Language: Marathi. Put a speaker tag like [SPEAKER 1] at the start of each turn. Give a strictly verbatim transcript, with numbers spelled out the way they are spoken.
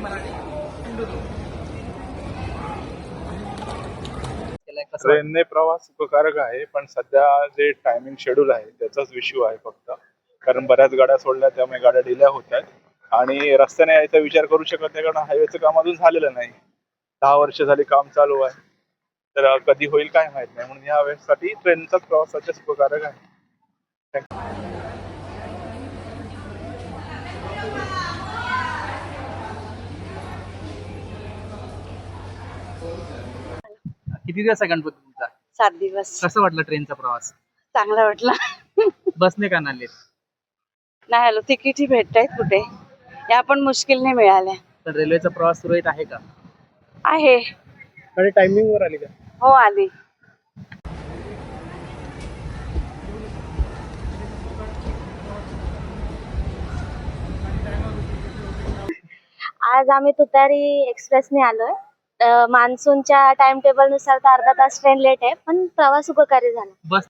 [SPEAKER 1] ट्रेनने प्रवास सुखकारक आहे, पण सध्या जे टायमिंग शेड्यूल आहे त्याचाच इश्यू आहे फक्त. कारण बऱ्याच गाड्या सोडल्या त्यामुळे गाड्या डिले होत आहेत आणि रस्त्याने यायचा विचार करू शकत नाही, कारण हायवेचं काम अजून झालेलं नाही. दहा वर्ष झाली काम चालू आहे, तर कधी होईल काय माहित नाही. म्हणून या वेळेसाठी ट्रेनचाच प्रवास सध्या सुखकारक आहे.
[SPEAKER 2] किती दिवस आहे गणपती तुमचा?
[SPEAKER 3] सात दिवस.
[SPEAKER 2] कसं वाटलं ट्रेनचा प्रवास?
[SPEAKER 3] चांगला वाटला.
[SPEAKER 2] बसने का नाही आले?
[SPEAKER 3] नाही आलो, तिकीटही भेटतायत कुठे, या पण मुश्किलने मिळाल्या.
[SPEAKER 2] तर रेल्वेचा प्रवास सुरळीत आहे का?
[SPEAKER 3] आहे.
[SPEAKER 2] आणि टायमिंग वर आली का?
[SPEAKER 3] हो आली.
[SPEAKER 4] आज आम्ही तुतारी एक्सप्रेसने आलोय. मान्सूनच्या टाइम टेबल नुसार तर अर्धा तास ट्रेन लेट आहे, पण प्रवास उपकारी झाला.
[SPEAKER 2] बस